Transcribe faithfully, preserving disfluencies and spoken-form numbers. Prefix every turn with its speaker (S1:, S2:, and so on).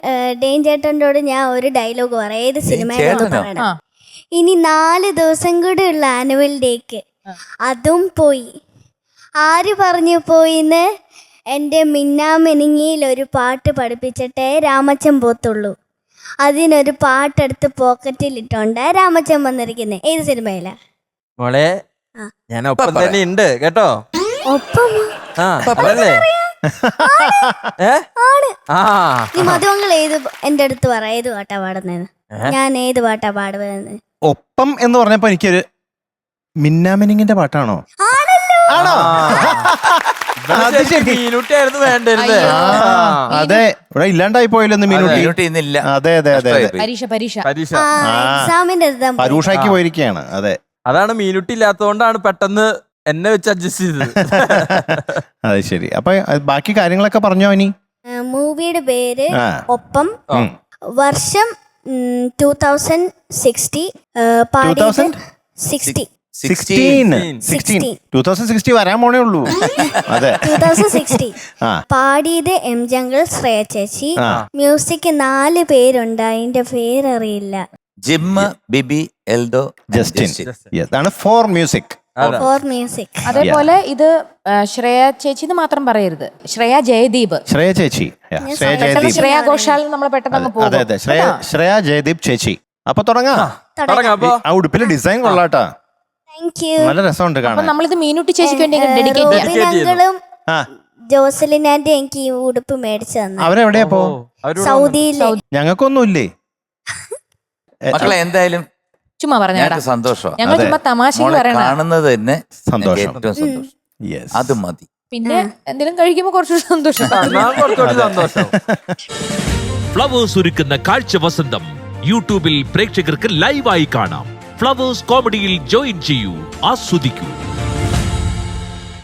S1: ഡെയിൻ ചേട്ടനോട് ഞാൻ ഒരു ഡയലോഗ് പറയാം. ഏത് സിനിമയിലാണ് പറയണം. ഇനി നാല് ദിവസം കൂടെ ഉള്ള ആനുവൽ ഡേക്ക് അതും പോയി. ആര് പറഞ്ഞു പോയിന്ന്? എൻ്റെ മിന്നാമിനിങ്ങിയിൽ ഒരു പാട്ട് പഠിപ്പിച്ചിട്ടേ രാമച്ചൻ പോത്തുള്ളൂ. അതിനൊരു പാട്ടെടുത്ത് പോക്കറ്റിലിട്ടുണ്ട് രാമച്ചൻ വന്നിരിക്കുന്നത്. ഏത് സിനിമയിലാ
S2: മോളെ? ഞാൻ ഒപ്പം തന്നെ ഉണ്ട് കേട്ടോ.
S1: ഒപ്പം നീ മധുവങ്ങൾ ഏത് എന്റെ അടുത്ത് പറ, ഏത് പാട്ടാ പാടുന്നത്? ഞാൻ ഏത് പാട്ടാ പാടുന്നത്?
S3: ഒപ്പം എന്ന് പറഞ്ഞപ്പോ എനിക്കൊരു മിന്നാമിനിങ്ങിന്റെ പാട്ടാണോ? ആണോ? അതെ, ഇവിടെ ഇല്ലാണ്ടായി പോയല്ലോ മീനുട്ടി. അതെ അതെ അതെ
S1: എക്സാമിന്റെ
S3: പരൂഷയ്ക്ക് പോയിരിക്കുകയാണ്. അതെ,
S2: അതാണ് മീനുട്ടി ഇല്ലാത്തതുകൊണ്ടാണ് പെട്ടെന്ന് എന്നെ വെച്ച് അഡ്ജസ്റ്റ് ചെയ്തത്.
S3: അത് ശരി. അപ്പൊ ബാക്കി കാര്യങ്ങളൊക്കെ പറഞ്ഞോ? ഇനി
S1: മൂവിയുടെ പേര് ഒപ്പം, വർഷം ടൂ തൗസൻഡ് സിക്സ്റ്റി, സിക്സ്റ്റി
S3: വരാൻ പോണേ ഉള്ളൂ. അതെ,
S1: പാടിയത് എം ജംഗിൾ, ശ്രേയ ചേച്ചി. മ്യൂസിക് നാല് പേരുണ്ട്, അതിന്റെ പേരറിയില്ല.
S4: Jim, Bibi, Eldo,
S3: Justin. ഇതാണ് ഫോർ മ്യൂസിക്.
S1: Four music.
S5: അതേപോലെ ഇത് ശ്രേയ ചേച്ചി എന്ന് മാത്രം പറയരുത്, ശ്രേയ ജയദീപ്.
S3: ശ്രേയ ചേച്ചി, ശ്രേയ ജയദീപ്.
S5: ശ്രേയ ഘോഷാൽ നമ്മൾ പെട്ടെന്ന് പോകും.
S3: അതെ അതെ, ശ്രേയ ശ്രേയ ജയദീപ് ചേച്ചി. അപ്പൊ തുടങ്ങാം. ആ ഉടുപ്പിലെ ഡിസൈൻ കൊള്ളാട്ടാ, നല്ല രസമുണ്ട് കാണാൻ.
S5: നമ്മളിത് മീനുട്ടി ചേച്ചിക്ക് വേണ്ടി ഡെഡിക്കേറ്റ് ചെയ്യാം.
S1: ജോസലിൻ ആന്റി എനിക്ക് ഈ ഉടുപ്പ് മേടിച്ചു തന്നെ.
S3: അവരെവിടെയാ പോ?
S1: സൗദിയിലെ.
S3: ഞങ്ങൾക്കൊന്നും ഇല്ലേ
S4: മക്കളെ? എന്തായാലും
S5: ചുമ്മാ പറഞ്ഞ
S4: സന്തോഷം.
S5: ഞങ്ങൾ ചുമ്മാ തമാശക്ക് പറയണ
S4: കാണുന്നത് തന്നെ
S3: സന്തോഷം.
S4: ഏറ്റവും സന്തോഷം. അത് മതി.
S5: പിന്നെ എന്തെങ്കിലും കഴിക്കുമ്പോ കുറച്ചുകൂടി സന്തോഷം.
S2: സന്തോഷം.
S6: ഫ്ലവേഴ്സ് ഒരുക്കുന്ന കാഴ്ച വസന്തം യൂട്യൂബിൽ പ്രേക്ഷകർക്ക് ലൈവായി കാണാം. ഫ്ലവേഴ്സ് കോമഡിയിൽ ജോയിൻ ചെയ്യൂ, ആസ്വദിക്കൂ.